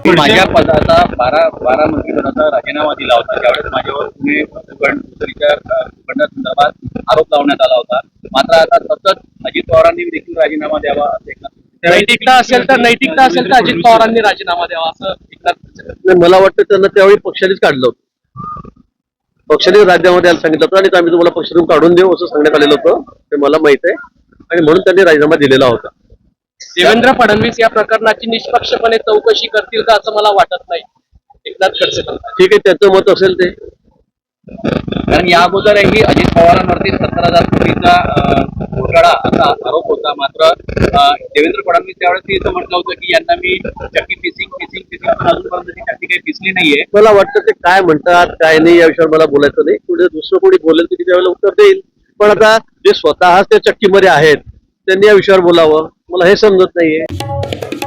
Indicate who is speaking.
Speaker 1: मी माझ्या पदाचा 12 मंत्रिपदाचा राजीनामा दिला होता त्यावेळेस माझ्यावर पुणे संदर्भात आरोप लावण्यात आला होता. मात्र आता सतत अजित पवारांनी देखील राजीनामा द्यावा असं
Speaker 2: नैतिकता असेल तर अजित पवारांनी राजीनामा द्यावा असं एकनाथ.
Speaker 3: मला वाटतं त्यांना त्यावेळी पक्षानेच काढलं होतं. पक्षाने राजीनामा द्यायला सांगितलं होतं आणि आम्ही तुम्हाला पक्षातून काढून देऊ असं सांगण्यात आलेलं होतं. ते मला माहित आहे आणि म्हणून त्यांनी राजीनामा दिलेला होता.
Speaker 2: देवेंद्र फडणवीस या प्रकरणाची निष्पक्षपणे चौकशी करतील का असं मला वाटत नाही. एकनाथ खडसे म्हणतात.
Speaker 3: ठीक आहे, त्याचं मत असेल ते.
Speaker 1: कारण या अगोदरही अजित पवारांवरती 17,000 कोटीचा घोटाळा असा आरोप होता. मात्र देवेंद्र फडणवीस त्यावेळेस असं म्हटलं होतं की यांना मी चक्की पिसिंग अजूनपर्यंत ती चक्की काही पिसली नाहीये.
Speaker 3: मला वाटतं ते काय म्हणतात काय नाही या विषयावर मला बोलायचं नाही. पुढे दुसरं कोणी बोलेल की त्यावेळेला उत्तर देईल. पण आता जे स्वतःच त्या चक्कीमध्ये आहेत त्यांनी या विषयावर बोलावं मला हे समजत नाहीये.